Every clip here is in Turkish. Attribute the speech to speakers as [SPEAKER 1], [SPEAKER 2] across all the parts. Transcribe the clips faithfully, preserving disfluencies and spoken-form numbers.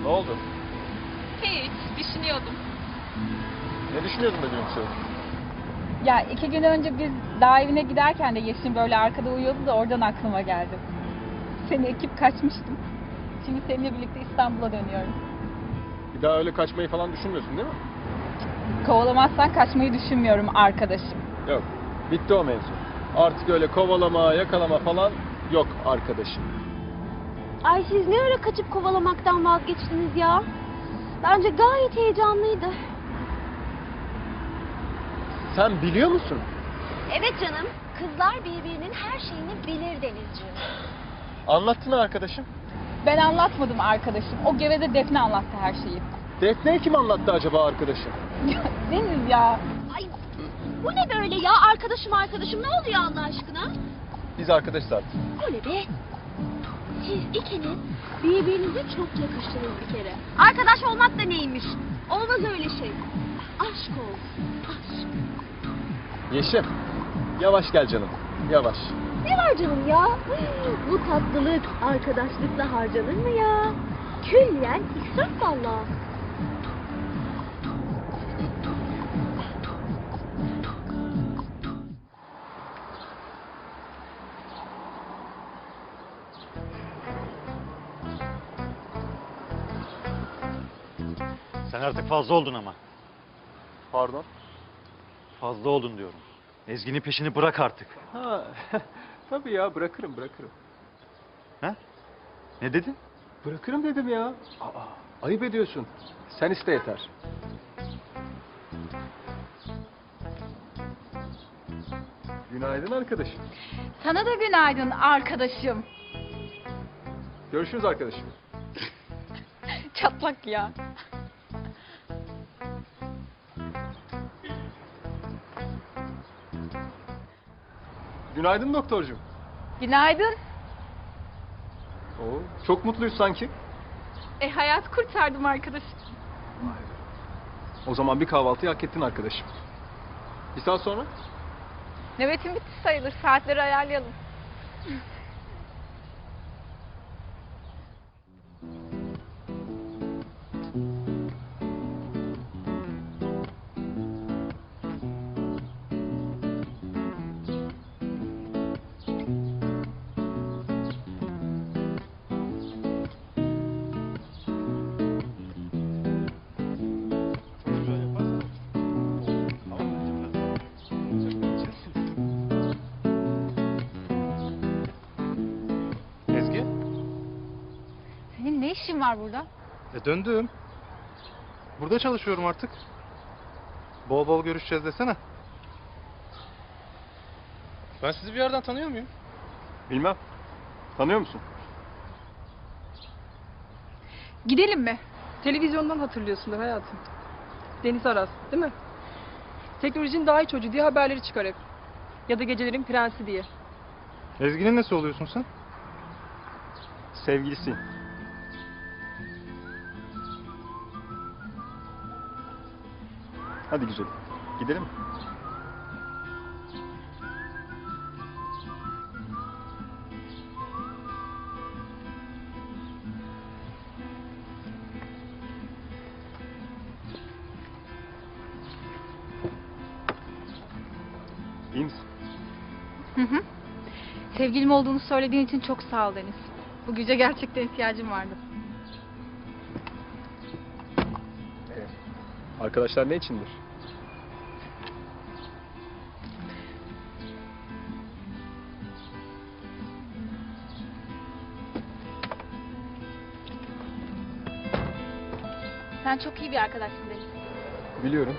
[SPEAKER 1] Ne oldu?
[SPEAKER 2] Hiç, düşünüyordum.
[SPEAKER 1] Ne düşünüyordun da gülümsüyordun?
[SPEAKER 2] Ya iki gün önce biz dağ evine giderken de Yeşim böyle arkada uyuyordu da oradan aklıma geldi. Seni ekip kaçmıştım. Şimdi seninle birlikte İstanbul'a dönüyorum.
[SPEAKER 1] Bir daha öyle kaçmayı falan düşünmüyorsun değil mi?
[SPEAKER 2] Kovalamazsan kaçmayı düşünmüyorum arkadaşım.
[SPEAKER 1] Yok. Bitti o mevzu. Artık öyle kovalama, yakalama falan yok arkadaşım.
[SPEAKER 3] Ay siz ne ara kaçıp kovalamaktan vazgeçtiniz ya? Bence gayet heyecanlıydı.
[SPEAKER 1] Sen biliyor musun?
[SPEAKER 3] Evet canım. Kızlar birbirinin her şeyini bilir Denizciğim.
[SPEAKER 1] Anlattın arkadaşım.
[SPEAKER 2] Ben anlatmadım arkadaşım. O geveze Defne anlattı her şeyi.
[SPEAKER 1] Defne'ye kim anlattı acaba arkadaşım?
[SPEAKER 2] Deniz ya.
[SPEAKER 3] Ay bu ne böyle ya? Arkadaşım arkadaşım ne oluyor Allah aşkına?
[SPEAKER 1] Biz arkadaşız artık.
[SPEAKER 3] Öyle be. Siz ikiniz birbirinize çok yakıştınız bir kere. Arkadaş olmak da neymiş? Olmaz öyle şey. Aşk olsun. Aşk.
[SPEAKER 1] Yeşim. Yavaş gel canım. Yavaş.
[SPEAKER 3] Ne var canım ya? Bu tatlılık arkadaşlıkla harcanır mı ya? Külliyen israf valla.
[SPEAKER 4] Sen artık fazla oldun ama.
[SPEAKER 1] Pardon.
[SPEAKER 4] Fazla oldun diyorum. Ezgi'nin peşini bırak artık.
[SPEAKER 1] Ha, tabii ya bırakırım bırakırım.
[SPEAKER 4] Ha? Ne dedin?
[SPEAKER 1] Bırakırım dedim ya. Aa, ayıp ediyorsun. Sen iste yeter. Günaydın arkadaşım.
[SPEAKER 2] Sana da günaydın arkadaşım.
[SPEAKER 1] Görüşürüz arkadaşım.
[SPEAKER 2] Çatlak ya.
[SPEAKER 1] Günaydın doktorcuğum.
[SPEAKER 2] Günaydın.
[SPEAKER 1] Oo, çok mutluyuz sanki.
[SPEAKER 2] E hayat kurtardım arkadaşım.
[SPEAKER 1] O zaman bir kahvaltıyı hak ettin arkadaşım. Bir saat sonra?
[SPEAKER 2] Nöbetim bitti sayılır. Saatleri ayarlayalım.
[SPEAKER 4] Ezgi?
[SPEAKER 2] Senin ne işin var burada?
[SPEAKER 5] E döndüm. Burada çalışıyorum artık. Bol bol görüşeceğiz desene. Ben sizi bir yerden tanıyor muyum?
[SPEAKER 1] Bilmem. Tanıyor musun?
[SPEAKER 6] Gidelim mi? Televizyondan hatırlıyorsundur hayatım. Deniz Aras, değil mi? Teknolojinin daha iyi çocuğu diye haberleri çıkar hep. Ya da gecelerin prensi diye.
[SPEAKER 5] Ezgi'nin nesi oluyorsun sen?
[SPEAKER 1] Sevgilisiyim. Hadi güzelim. Gidelim mi? İyi misin?
[SPEAKER 2] Hı hı. Sevgilim olduğunu söylediğin için çok sağ ol Deniz. Bu güce gerçekten ihtiyacım vardı.
[SPEAKER 1] Ee, arkadaşlar ne içindir?
[SPEAKER 2] Sen çok iyi bir arkadaşsın Deniz.
[SPEAKER 1] Biliyorum.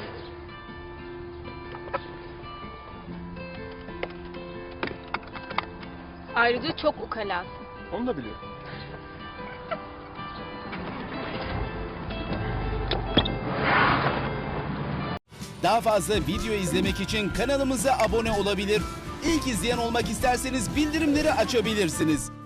[SPEAKER 2] Ayrıca çok ukalasın.
[SPEAKER 1] Onu da biliyorum.
[SPEAKER 7] Daha fazla video izlemek için kanalımıza abone olabilir. İlk izleyen olmak isterseniz bildirimleri açabilirsiniz.